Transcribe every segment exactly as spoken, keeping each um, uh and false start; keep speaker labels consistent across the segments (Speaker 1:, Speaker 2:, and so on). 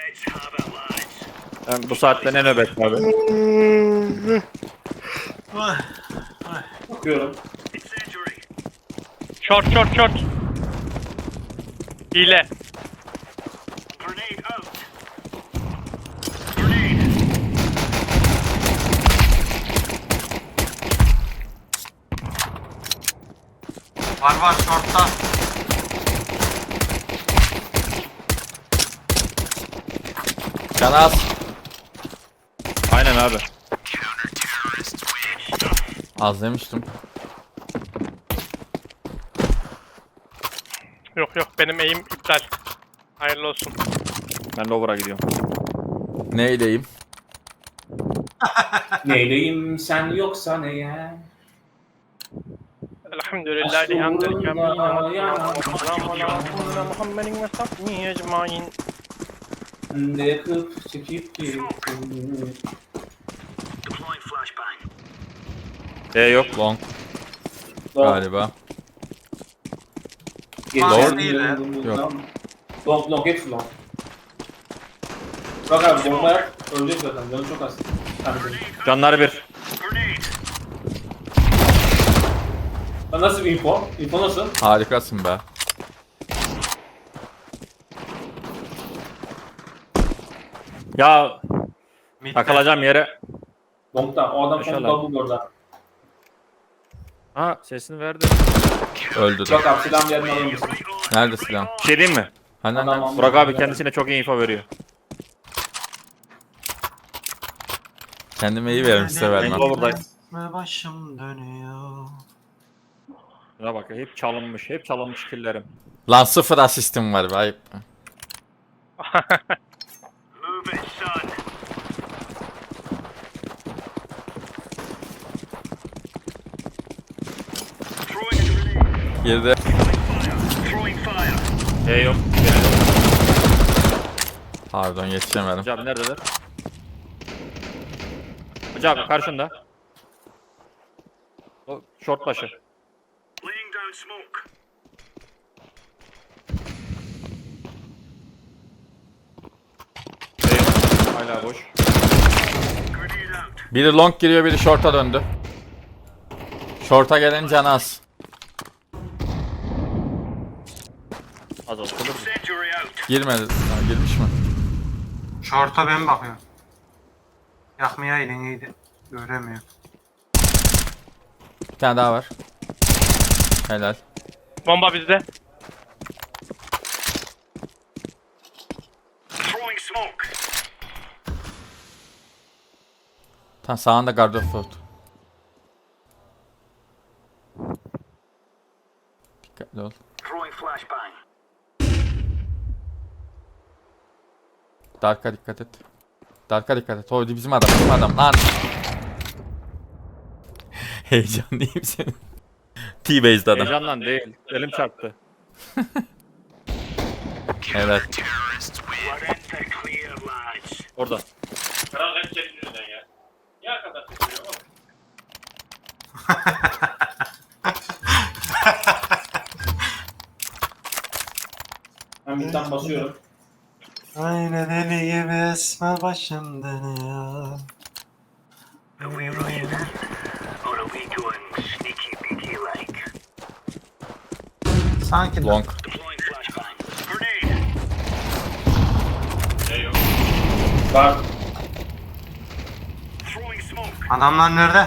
Speaker 1: Ben bu saatte ne nöbet abi?
Speaker 2: Bakıyorum.
Speaker 3: Short short short. Hile.
Speaker 4: Var var shortta.
Speaker 5: Can az.
Speaker 1: Aynen abi.
Speaker 5: Az demiştim.
Speaker 3: Yok yok benim eğim iptal. Hayırlı olsun.
Speaker 1: Ben lower'a gidiyorum.
Speaker 5: Neydeyim?
Speaker 2: Neyleyim sen yoksan eğer.
Speaker 3: Elhamdülillah.
Speaker 2: Aşkı
Speaker 3: Elhamdülillah.
Speaker 2: uğruna yanan
Speaker 3: Muhammedin ve sahbihi ecmain.
Speaker 2: de yakıp çekip gittin.
Speaker 1: E yok.
Speaker 5: Long
Speaker 2: Long.
Speaker 5: galiba.
Speaker 2: Geçen
Speaker 4: Long değil
Speaker 2: yıl
Speaker 4: ya.
Speaker 2: bundan- Long long hepsi long. Bak abi bomba yak. Ölecek zaten. Canı çok az. Hadi.
Speaker 1: Canları bir.
Speaker 2: Lan nasıl bir info? Info nasıl?
Speaker 5: Harikasın be.
Speaker 1: Ya
Speaker 4: Mid'de.
Speaker 1: takılacağım yere.
Speaker 2: Long'da. O adam
Speaker 1: Maşallah.
Speaker 2: son double orada.
Speaker 1: Ha sesini verdi.
Speaker 5: Öldü de.
Speaker 2: Bak abi silahın yerini alır mısın?
Speaker 5: Nerede silah?
Speaker 1: Bir şey diyeyim mi?
Speaker 5: Hani
Speaker 2: Adam
Speaker 5: nerede?
Speaker 2: almış.
Speaker 1: Burak abi kendisine çok iyi info veriyor.
Speaker 5: Kendime iyi veririm size vermem.
Speaker 1: Lower'dayım.
Speaker 4: Ve başım dönüyor.
Speaker 1: Şuna bak hep çalınmış. Hep çalınmış killerim.
Speaker 5: Lan sıfır asistim var be ayıp. Girdi.
Speaker 1: E yok.
Speaker 5: Pardon yetişemedim.
Speaker 1: Hocam neredeler? Hocam karşında. O short başı. E yok. Hala boş.
Speaker 5: Biri long giriyor biri short'a döndü. Short'a gelen can az.
Speaker 1: Az az olur.
Speaker 5: Girmedi. Ha, girmiş mi?
Speaker 4: Short'a ben bakıyorum. Yakmaya iyiydi. Göremiyor.
Speaker 5: Bir tane daha var. Helal.
Speaker 3: Bomba bizde.
Speaker 5: Tam sağında Gardefoot. Dikkatli ol. Dark'a dikkat et. Dark'a dikkat et. O bizim adam, bizim adam lan. Heyecanlıyım senin. T-Base'de adam.
Speaker 1: Heyecandan değil. Elim çarptı.
Speaker 5: Evet.
Speaker 1: Orada.
Speaker 6: Kral hep senin yüzünden ya. Niye arkadan sesleniyor oğlum?
Speaker 2: Ben midden basıyorum.
Speaker 4: Aynı deli gibi esmer başım dönüyor. Sanki
Speaker 5: Long.
Speaker 6: Ne yok.
Speaker 2: Var.
Speaker 4: adamlar nerede?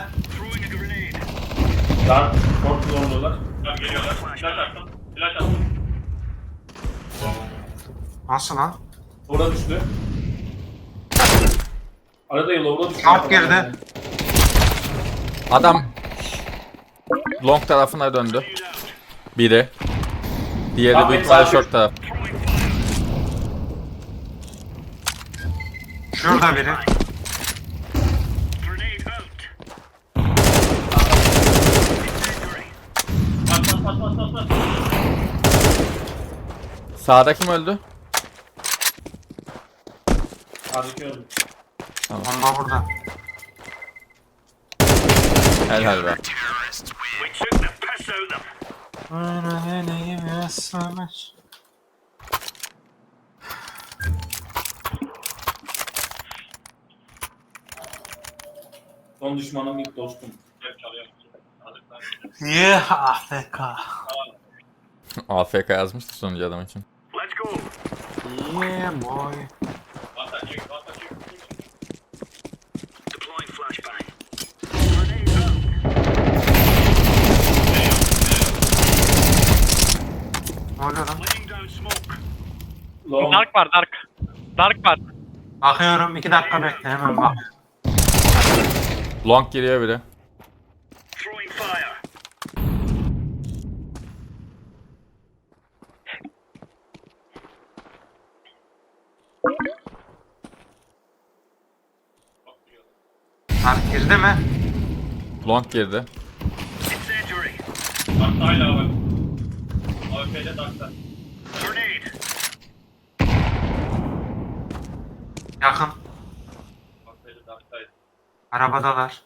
Speaker 2: Lan. Short zorluyorlar.
Speaker 6: Tamam geliyorlar. Flash attım. Flash attım.
Speaker 4: Nasıl lan?
Speaker 2: Orada düştü. Arada yıl orada düştü.
Speaker 4: Short girdi.
Speaker 5: Adam long tarafına döndü. Biri. Diğeri
Speaker 2: Bak,
Speaker 5: büyük
Speaker 2: ben
Speaker 5: ihtimalle
Speaker 2: sağ-
Speaker 5: short taraf.
Speaker 4: Şurada biri.
Speaker 6: Bas bas bas bas bas bas.
Speaker 5: Sağda kim öldü?
Speaker 2: Hadi öldü.
Speaker 4: Bomba burada.
Speaker 5: Helal be.
Speaker 4: Aynı deli gibi esmer.
Speaker 2: Son düşmanım ilk dostum.
Speaker 6: Hep çalıyor. Aldıktan
Speaker 4: Yeah, A F K.
Speaker 5: A F K yazmıştı sonucu adam için.
Speaker 4: Yeah boy.
Speaker 6: Vata çık, vata çık.
Speaker 4: Ne oluyor lan?
Speaker 2: Long.
Speaker 3: Dark var dark. Dark var.
Speaker 4: Bakıyorum iki dakika bekle hemen bak.
Speaker 5: Long giriyor biri.
Speaker 4: Dark girdi mi?
Speaker 5: Long girdi.
Speaker 6: Dark hala var. A W P'de Dark'ta.
Speaker 4: Yakın.
Speaker 6: A W P'de Dark'taydı.
Speaker 4: Arabadalar.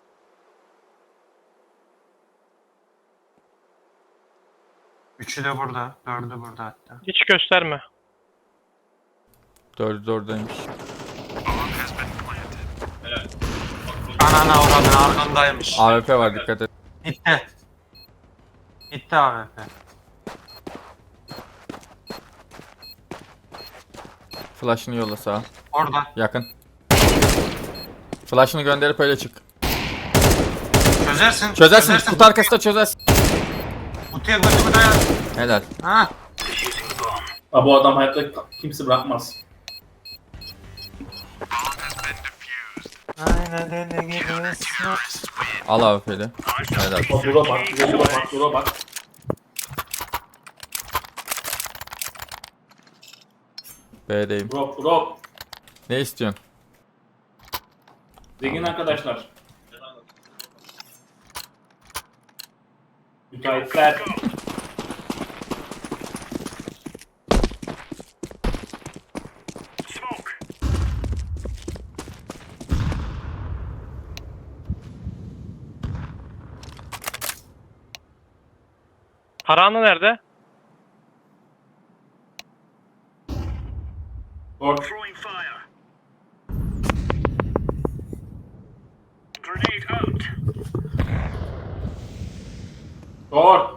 Speaker 4: Üçü de burada. Dördü burada hatta.
Speaker 3: Hiç gösterme.
Speaker 5: Dördü dördeymiş.
Speaker 6: Helal.
Speaker 4: Anana uğradın arkandaymış.
Speaker 5: A W P var dikkat et.
Speaker 4: Gitti. Gitti A W P.
Speaker 5: Flash'ını yolla sağa.
Speaker 4: Orada.
Speaker 5: Yakın. Flash'ını gönderip öyle çık.
Speaker 4: Çözersin.
Speaker 5: Çözersin. Kutu arkasında çözersin.
Speaker 4: Kutuya götümü dayan.
Speaker 5: Helal.
Speaker 4: Ha.
Speaker 2: Aa, bu adam hayatta kimse bırakmaz.
Speaker 4: Aynen öyle gidiyorsun.
Speaker 5: Al A W P'li. Helal.
Speaker 2: Bak dura bak, dura bak, dura bak.
Speaker 5: B'deyim.
Speaker 2: Drop, drop.
Speaker 5: Ne istiyorsun?
Speaker 2: Zengin arkadaşlar. Müteahhitler.
Speaker 3: Karanı nerede?
Speaker 2: Short. Short.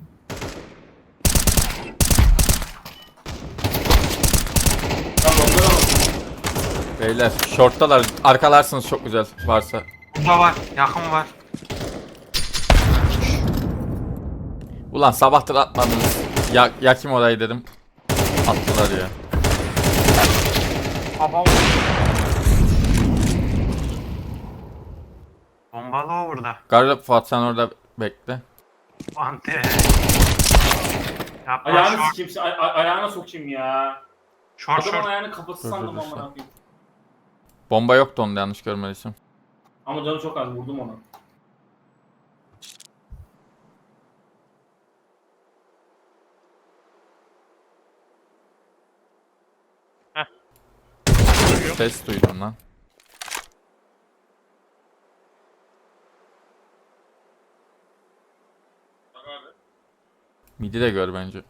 Speaker 2: Tamam, bakalım.
Speaker 5: Beyler short'talar. Arkalarsınız çok güzel varsa.
Speaker 4: Burada var. Yakın var.
Speaker 5: Ulan sabahtır atmadınız. Ya, yakayım orayı dedim. Attılar ya.
Speaker 4: Baba. Bombalı o burada.
Speaker 5: Garip Fuat sen orada bekle.
Speaker 4: Ante. Yapma
Speaker 2: Ayağını
Speaker 4: short.
Speaker 2: sikeyim, ay- ay- ayağına sokayım ya.
Speaker 4: Short
Speaker 2: Adamın
Speaker 4: short.
Speaker 2: ayağını kafası
Speaker 5: Dur,
Speaker 2: sandım
Speaker 5: dur,
Speaker 2: amına
Speaker 5: dur.
Speaker 2: koyayım.
Speaker 5: Bomba yoktu onda yanlış görmediysem.
Speaker 2: Ama canı çok az, vurdum onu.
Speaker 5: Ses duydum lan.
Speaker 6: Bak abi.
Speaker 5: Midi de gör bence.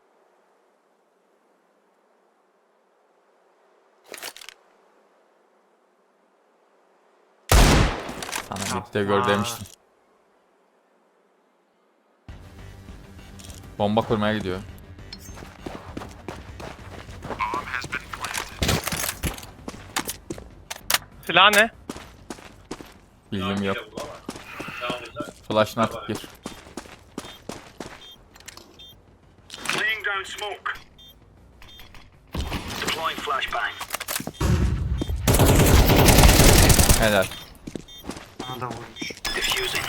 Speaker 5: Sana midi de gör
Speaker 4: Yapma.
Speaker 5: demiştim. Bomba kurmaya gidiyor.
Speaker 3: Silah ne?
Speaker 5: Bilgim yok.
Speaker 6: Yine bulamaz. Ne alacak?
Speaker 5: Flash'ını atıp gir.
Speaker 7: Laying down smoke. Deploying flashbang.
Speaker 5: Helal.
Speaker 4: Bana da vurmuş.
Speaker 7: Diffusing.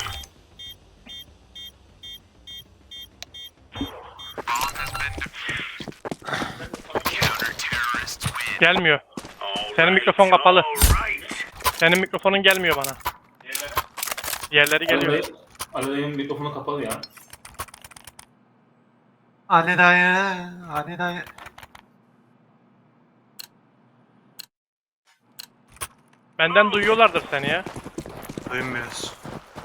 Speaker 3: Gelmiyor. Senin mikrofon kapalı.
Speaker 7: Alright.
Speaker 3: Senin mikrofonun gelmiyor bana.
Speaker 6: Diğerler
Speaker 3: Diğerleri geliyor.
Speaker 2: Ali, Ali dayının mikrofonu kapalı ya.
Speaker 4: Ali dayı. Ali dayı.
Speaker 3: Benden duyuyorlardır seni ya.
Speaker 4: Duymuyoruz.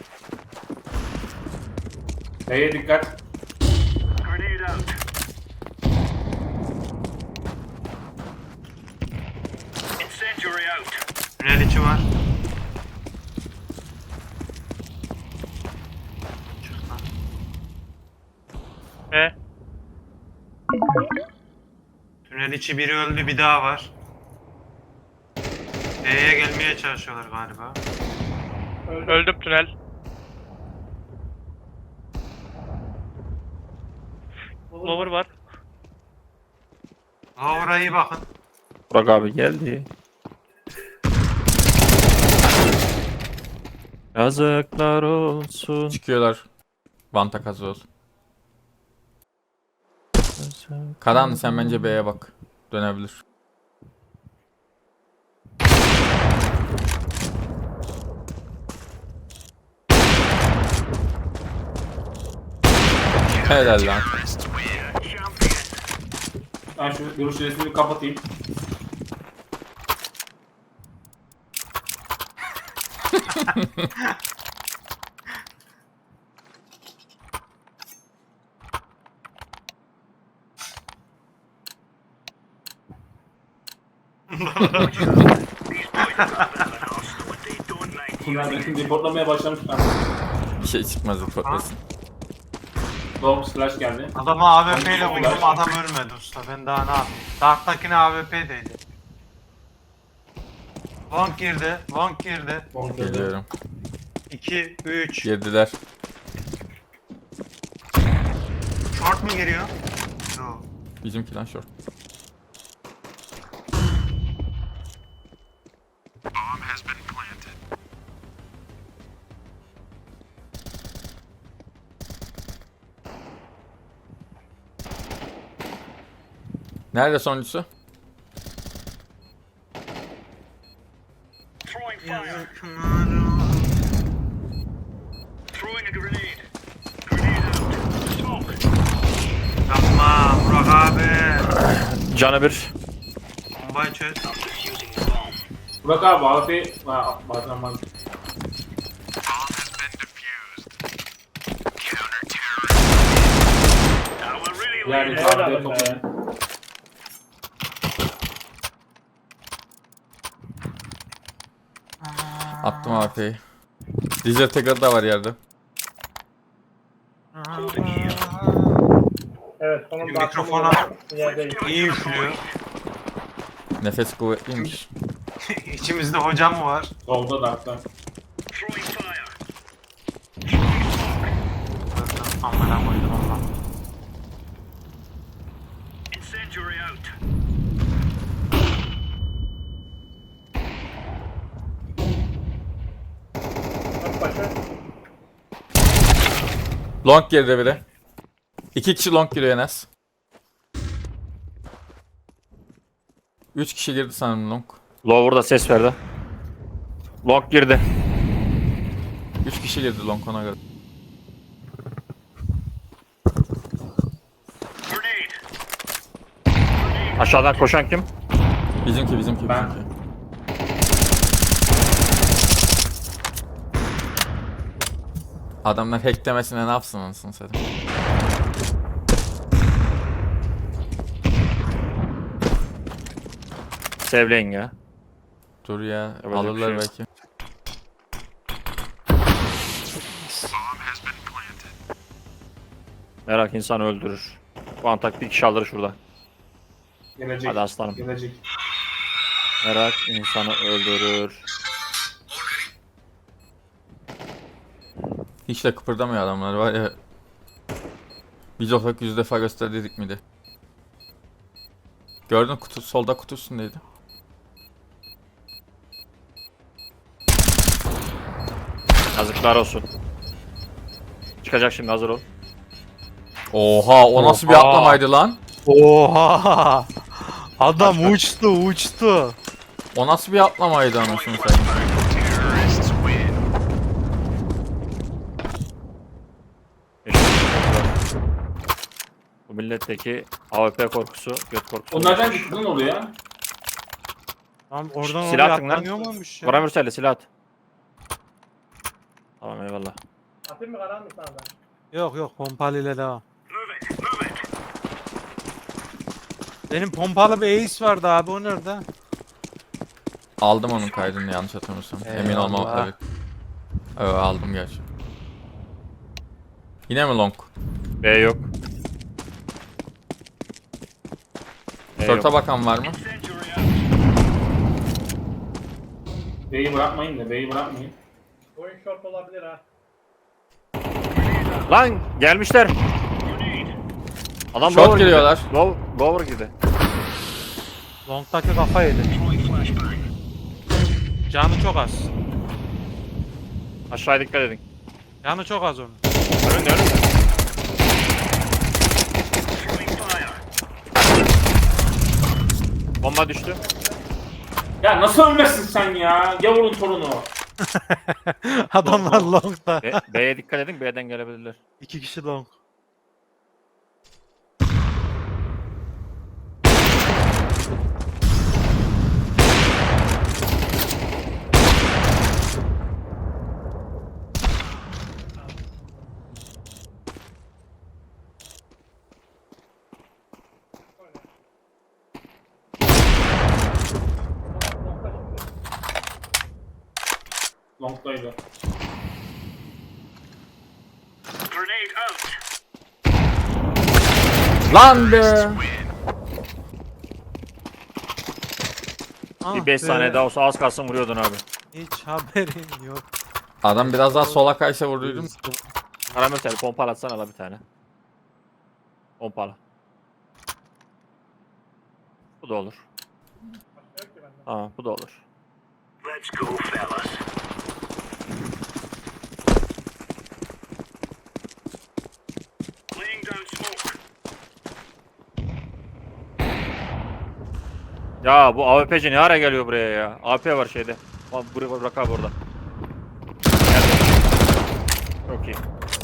Speaker 2: B'ye dikkat.
Speaker 7: Grenade out. Incendiary out.
Speaker 4: Tünel içi var. Tünel içi biri öldü, bir daha var. B'ye gelmeye çalışıyorlar galiba.
Speaker 3: Öldüm tünel. Lower var.
Speaker 4: Lower'a iyi bakın.
Speaker 1: Burak abi geldi. Yazıklar olsun.
Speaker 5: Çıkıyorlar. Vanta kazı olsun. Karan sen bence B'ye bak. Dönebilir. Helal lan.
Speaker 2: Ben şu görüş resmini kapatayım. Bunlar benim reportlamaya başlamışlar.
Speaker 5: Bir şey çıkmaz reportlasın.
Speaker 2: Dog slash geldi.
Speaker 4: Adama A W P ile vurdum, adam ölmedi usta. Ben daha ne yapayım? Dark'takine A W P'deydi. Long girdi, long girdi.
Speaker 5: Geliyorum.
Speaker 4: iki, üç.
Speaker 5: Girdiler.
Speaker 4: Short mu giriyor? Yok.
Speaker 5: Bizimki lan short. Nerede sonuncusu?
Speaker 7: Throwing fire. Throwing a grenade. Grenade out. Smoke.
Speaker 4: Yapma Burak abi.
Speaker 1: Canı bir.
Speaker 4: Bombayı çöz.
Speaker 7: Using the bomb.
Speaker 2: Burak abi A W P... Ha, bazen ben...
Speaker 7: Now we're really
Speaker 2: Yani
Speaker 7: laying
Speaker 2: A
Speaker 7: it.
Speaker 2: W P toplayın.
Speaker 5: Attım A P'yi. Dizel tekrar da var yerde.
Speaker 8: Evet, onun
Speaker 4: Mikrofona
Speaker 8: yerdeyim.
Speaker 4: iyi üflüyor.
Speaker 5: Nefes kuvvetliymiş.
Speaker 4: İçimizde hocam mı var?
Speaker 2: Solda darkta.
Speaker 7: Throwing fire.
Speaker 4: Amına koydum Allah.
Speaker 7: Incendiary out.
Speaker 8: Bak başı.
Speaker 5: Long girdi biri. İki kişi long giriyor en az. Üç kişi girdi sanırım long.
Speaker 1: Lower'da ses verdi. Long girdi.
Speaker 5: Üç kişi girdi long ona göre.
Speaker 7: Grenade.
Speaker 1: Aşağıdan koşan kim?
Speaker 5: Bizimki bizimki
Speaker 2: Ben-
Speaker 5: bizimki. Adamlar hacklemesine ne yapsın anasını satayım.
Speaker 1: Sevleyin ya.
Speaker 5: Dur ya
Speaker 1: Yapacak bir
Speaker 5: alırlar
Speaker 1: şey yok.
Speaker 5: belki.
Speaker 1: Merak insanı öldürür. Bu antak bir kişi alır şurada.
Speaker 2: Gelecek.
Speaker 1: Hadi aslanım.
Speaker 2: Gelecek.
Speaker 1: Merak insanı öldürür.
Speaker 5: Hiç de kıpırdamıyor adamlar var ya. Biz olsak yüz defa gösterdik miydi? Gördün kutu solda kutu üstündeydi.
Speaker 1: Yazıklar olsun. Çıkacak şimdi, hazır ol.
Speaker 5: Oha o nasıl bir
Speaker 9: Oha.
Speaker 5: atlamaydı lan?
Speaker 9: Oha! Adam uçtu uçtu.
Speaker 5: O nasıl bir atlamaydı anasını satayım.
Speaker 1: Bu milletteki A W P korkusu, göt korkusu.
Speaker 2: O nereden gitti lan oraya?
Speaker 9: Lan oradan
Speaker 1: Silah
Speaker 9: oraya
Speaker 1: atın lan.
Speaker 9: atlanıyor muymuş ya?
Speaker 1: Koray Mürsel'le silah at. Tamam, eyvallah.
Speaker 8: Atayım mı karanlık sana da?
Speaker 9: Yok yok pompalı ile devam.
Speaker 7: Move it. Move it.
Speaker 9: Benim pompalı bir ace vardı abi o nerede?
Speaker 5: Aldım onun kaydını yanlış hatırlamıyorsam. Emin
Speaker 9: Eyvallah.
Speaker 5: olmam evet. Evet aldım gerçi. Yine mi long?
Speaker 1: B yok. E,
Speaker 5: Short'a
Speaker 1: yok.
Speaker 5: bakan var mı?
Speaker 7: Incendiary out.
Speaker 2: B'yi bırakmayın da B'yi bırakmayın.
Speaker 8: Oyun short olabilir ha.
Speaker 1: Lan gelmişler. Adam
Speaker 5: Short
Speaker 1: lower
Speaker 5: giriyorlar.
Speaker 1: girdi. Low, lower girdi.
Speaker 9: Long'daki kafa yedi. Canı çok az.
Speaker 1: Aşağıya dikkat edin.
Speaker 9: Canı çok az onun.
Speaker 1: Önünde önünde.
Speaker 7: Throwing fire.
Speaker 1: Bomba düştü.
Speaker 2: Ya nasıl ölmezsin sen ya? Gavurun torunu.
Speaker 9: Adamlar long'da.
Speaker 1: B- B'ye dikkat edin. B'den gelebilirler.
Speaker 9: İki kişi long.
Speaker 2: Long'daydı.
Speaker 7: Grenade out.
Speaker 5: Lan be.
Speaker 9: Ah
Speaker 1: Bir beş
Speaker 9: be,
Speaker 1: saniye daha olsa az kalsın vuruyordun abi.
Speaker 9: Hiç haberim yok.
Speaker 5: Adam biraz daha sola kaysa vurduydum.
Speaker 1: Karamürsel pompala atsana la bir tane. Pompala. Bu da olur.
Speaker 8: Başka yok ki bende.
Speaker 1: Tamam bu da olur.
Speaker 7: Let's go, fellas. Laying down smoke.
Speaker 1: Ya bu A W P'ci ne ara geliyor buraya ya? A W P var şeyde. Bak buraya bırak abi orada. Geldi. Çok iyi.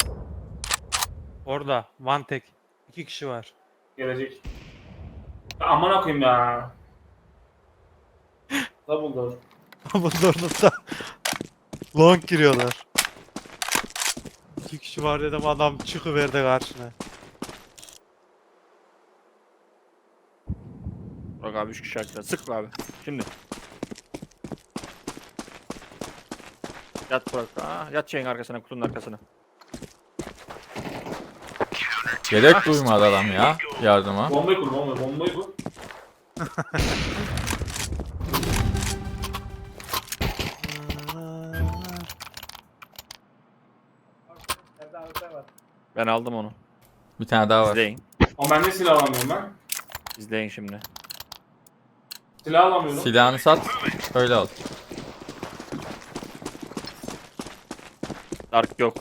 Speaker 9: Orada. One tek. İki kişi var.
Speaker 2: Gelecek. Ya aman koyayım ya. Double door.
Speaker 9: Bunlar long giriyorlar. İki kişi var dedim adam çıkıverdi karşına.
Speaker 1: Bırak abi üç kişi arkada. Sık abi. Şimdi. Yat bırak. Aa, yat şeyin arkasına, kutunun arkasına.
Speaker 5: Gerek duymadı adam ya yardıma.
Speaker 2: Bombayı kur, bombayı, bombayı kur.
Speaker 8: Evde A W P var.
Speaker 1: Ben aldım onu.
Speaker 5: Bir tane daha var.
Speaker 1: İzleyin.
Speaker 2: Ama ben de silah alamıyorum ben.
Speaker 1: İzleyin şimdi.
Speaker 2: Silah alamıyorum.
Speaker 5: Silahını sat. Öyle al.
Speaker 1: Dark yok.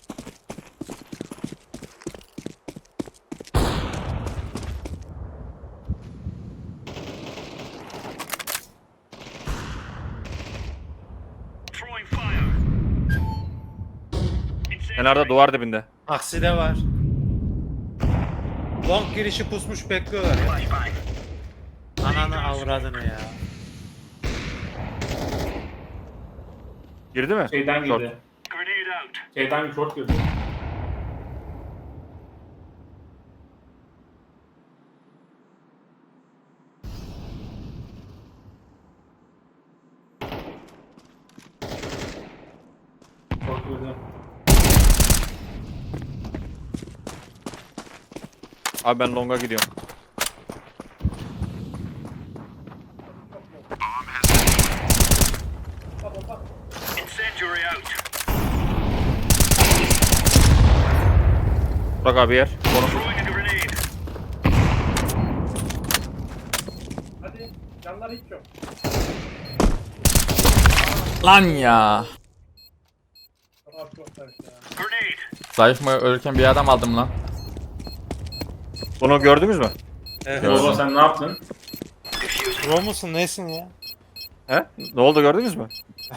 Speaker 7: Throwing fire.
Speaker 1: Kenarda duvar dibinde.
Speaker 9: Aksi de var. Long girişi pusmuş bekliyorlar ya. Ananı avradını ya.
Speaker 1: Girdi mi?
Speaker 2: Şeyden
Speaker 1: Short.
Speaker 2: girdi.
Speaker 7: Grenade out.
Speaker 2: Şeyden short girdi. Short girdi.
Speaker 1: Abi ben longa gidiyorum.
Speaker 7: Incendiary out.
Speaker 1: Bırak abi yer.
Speaker 7: Throwing a grenade.
Speaker 8: Hadi. Canlar hiç yok.
Speaker 5: Lan ya.
Speaker 8: Kafa çok karıştı ya.
Speaker 7: Grenade.
Speaker 5: Zayıf mı ölürken bir adam aldım lan.
Speaker 1: Bunu gördünüz mü?
Speaker 9: Evet.
Speaker 5: Gördüm.
Speaker 2: Baba sen ne yaptın?
Speaker 9: Pro musun nesin ya?
Speaker 1: He? Ne oldu gördünüz mü?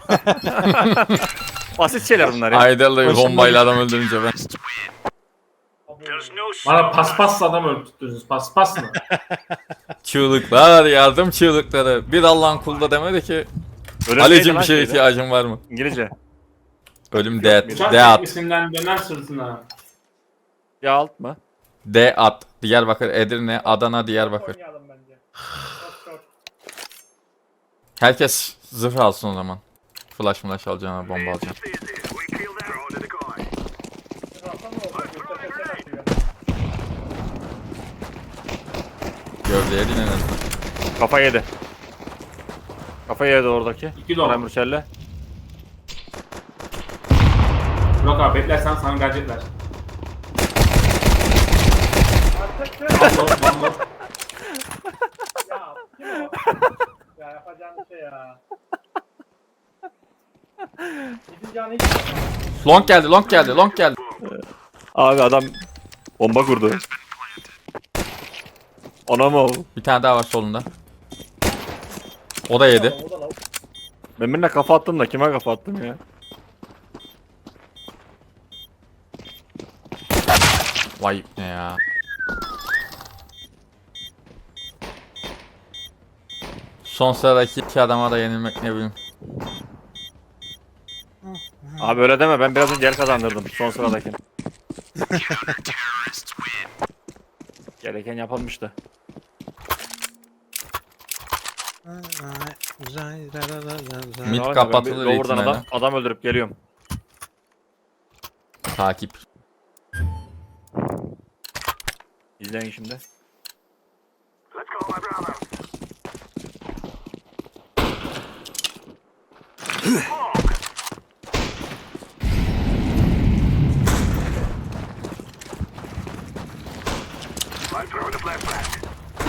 Speaker 1: Basit şeyler bunlar ya.
Speaker 5: Aydalı
Speaker 9: Başım
Speaker 5: bombayla adam öldürünce ben.
Speaker 7: There's no
Speaker 2: Bana
Speaker 7: smoke.
Speaker 2: paspasla adam öldürdünüz. Paspas mı?
Speaker 5: Çığlıklar yardım çığlıkları. Bir Allah'ın kulu da demedi ki
Speaker 1: Öyle
Speaker 5: Ali'cim
Speaker 1: neydi
Speaker 5: bir
Speaker 1: lan
Speaker 5: şeye
Speaker 1: şeyde?
Speaker 5: ihtiyacın var mı?
Speaker 1: İngilizce.
Speaker 5: Ölüm D at.
Speaker 2: Uçak
Speaker 5: D at.
Speaker 2: teknisinden döner sırtına.
Speaker 1: Ya alt mı?
Speaker 5: D at. Diyarbakır, Edirne, Adana, Diyarbakır.
Speaker 8: Oynayalım bence. Short short.
Speaker 5: Herkes zırh alsın o zaman. Flash flash alacağına bomba alacağım.
Speaker 7: We kill that. Throw to the guy.
Speaker 8: Rafa ne oldu? Göster göster atıyor.
Speaker 5: Gördüm. temizleyeydin en azından.
Speaker 1: Kafa yedi. Kafa yedi oradaki.
Speaker 2: İki dolar.
Speaker 1: Koray Mürsel'le.
Speaker 2: Burak abi beklersen sana gelecekler.
Speaker 8: Artık
Speaker 2: Bambo, bambo.
Speaker 8: ya kim o? Ya yapacağım bir şey ya. Gidin canı hiç yok.
Speaker 5: Long geldi, long geldi, long geldi.
Speaker 1: Abi adam bomba kurdu. Ona mı o?
Speaker 5: Bir tane daha var solunda. O da yedi.
Speaker 8: O da lavuk.
Speaker 1: Ben birine kafa attım da kime kafa attım ya?
Speaker 5: Vay ne ya. Son sıradaki iki adama da yenilmek ne bileyim.
Speaker 1: Abi öyle deme, ben biraz önce yer kazandırdım son sıradakini. Gereken yapılmıştı.
Speaker 5: Mid
Speaker 1: Abi,
Speaker 5: kapatılır
Speaker 1: ben bir Lower'dan
Speaker 5: ihtimalle.
Speaker 1: adam, adam öldürüp geliyorum.
Speaker 5: Takip.
Speaker 1: İzleyin şimdi.
Speaker 7: Let's go, my brother. I'm throwing the flashback.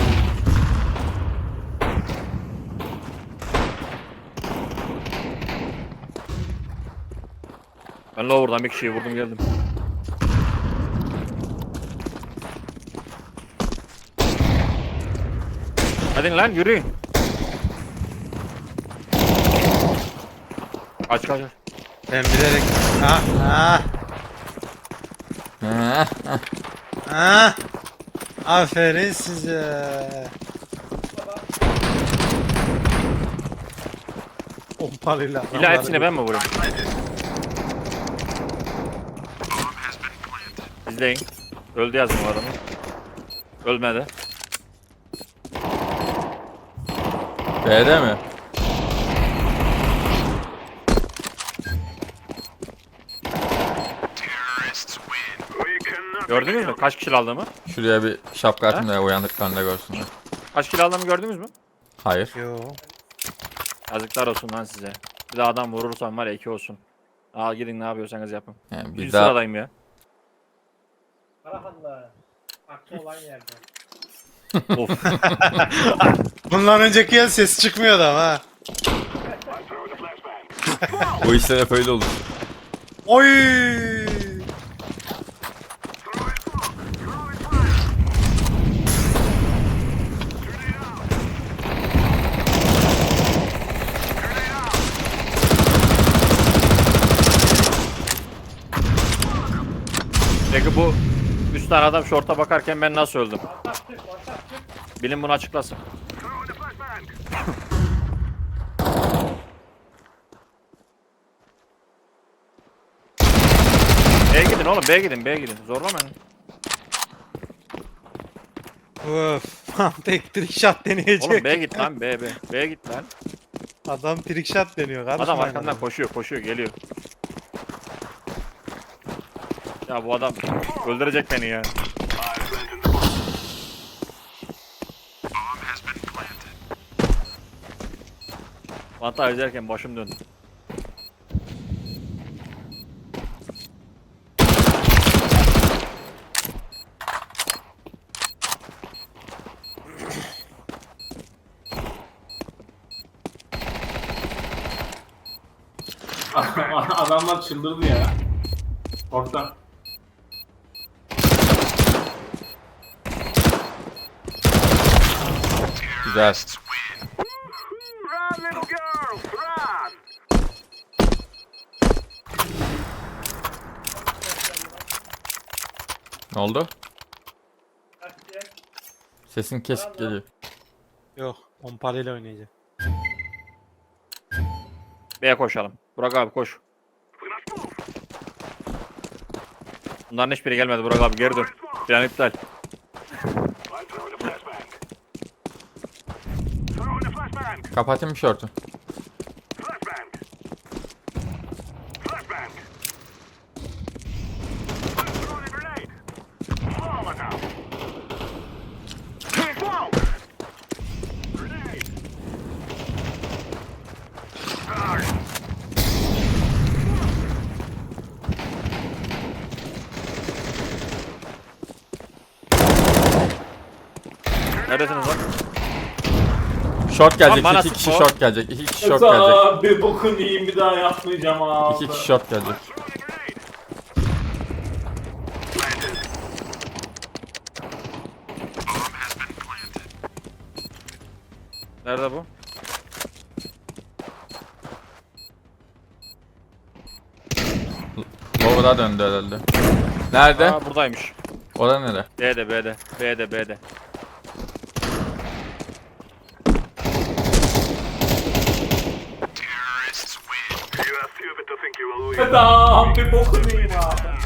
Speaker 1: Ben Lower'dan bir kişiyi vurdum geldim. Hadi lan yürüyün. Kaç kaç.
Speaker 9: Ben bilerek... Ah ah
Speaker 5: Heh, heh.
Speaker 9: ah. Aferin size. Pompalıyla.
Speaker 1: İlla hepsini ben mi vurayım? İzleyin. Öldü yazdım o adamı. Ölmedi.
Speaker 5: B'de mi?
Speaker 7: We cannot.
Speaker 1: Gördünüz mü? Kaç kişi aldığımı?
Speaker 5: Şuraya bir şapka atayım da uyandıklarında görsünler.
Speaker 1: Kaç kişi aldığımı gördünüz mü?
Speaker 5: Hayır.
Speaker 9: Yo.
Speaker 1: Yazıklar olsun lan size. Bir daha adam vurursan var ya iki olsun. Aa gidin ne yapıyorsanız yapın.
Speaker 5: Yani
Speaker 1: Bir
Speaker 5: bir daha
Speaker 1: sıradayım ya.
Speaker 8: Karahanlı. Aklı olan yerde.
Speaker 1: Of.
Speaker 9: Bundan önceki yıl ses çıkmıyordu ama ha.
Speaker 7: I'm throwing the flashbang.
Speaker 5: bu işler hep öyle olur.
Speaker 9: Oy!
Speaker 7: Throwing smoke. Throwing fire. Grenade out. Grenade out.
Speaker 1: Peki bu üç tane adam şorta bakarken ben nasıl öldüm?
Speaker 8: Ortak çık, ortak çık.
Speaker 1: Bilin bunu açıklasın.
Speaker 7: Throwing the flashbang.
Speaker 1: B'ye gidin oğlum, B'ye gidin, B'ye gidin. Zorlamayın.
Speaker 9: Öf. Tek trick shot deneyecek.
Speaker 1: Oğlum B'ye git lan, B, B. B'ye git lan.
Speaker 9: Adam trick shot deniyor kardeşim.
Speaker 1: Adam arkamdan koşuyor, koşuyor, geliyor. Ya bu adam öldürecek beni ya.
Speaker 7: I've planted the bomb.
Speaker 1: Vanta izlerken başım döndü.
Speaker 2: Adamlar çıldırdı ya. Orta.
Speaker 5: Güzel.
Speaker 7: Run, little girls, run.
Speaker 5: Ne oldu?
Speaker 8: Kaç diye.
Speaker 5: Sesin kesik geliyor.
Speaker 9: Yok. Pompalıyla oynayacak.
Speaker 1: B'ye koşalım. Burak abi koş. Bunların hiçbiri gelmedi Burak abi, geri dön. Plan iptal.
Speaker 7: I'm throwing the flashbang. Throwing the flashbang.
Speaker 5: Kapatayım mı şortu?
Speaker 7: Flashbang. Flashbang. I'm throwing a grenade. Flawless out. Smoke.
Speaker 1: Neredesiniz lan?
Speaker 5: Short gelecek.
Speaker 1: Lan bana
Speaker 5: iki kişi
Speaker 1: sıkma.
Speaker 5: short gelecek. iki kişi short gelecek.
Speaker 2: Aa, bir bokun yiyeyim bir daha yapmayacağım abi.
Speaker 5: iki kişi short gelecek.
Speaker 1: Nerede bu?
Speaker 5: Lower'a döndü herhalde. Nerede?
Speaker 1: Aa buradaymış.
Speaker 5: Orada nere?
Speaker 1: B'de B'de. B'de B'de.
Speaker 7: You have few of it to think you will lose.
Speaker 2: Tamam bir bokun yiyeyim abi.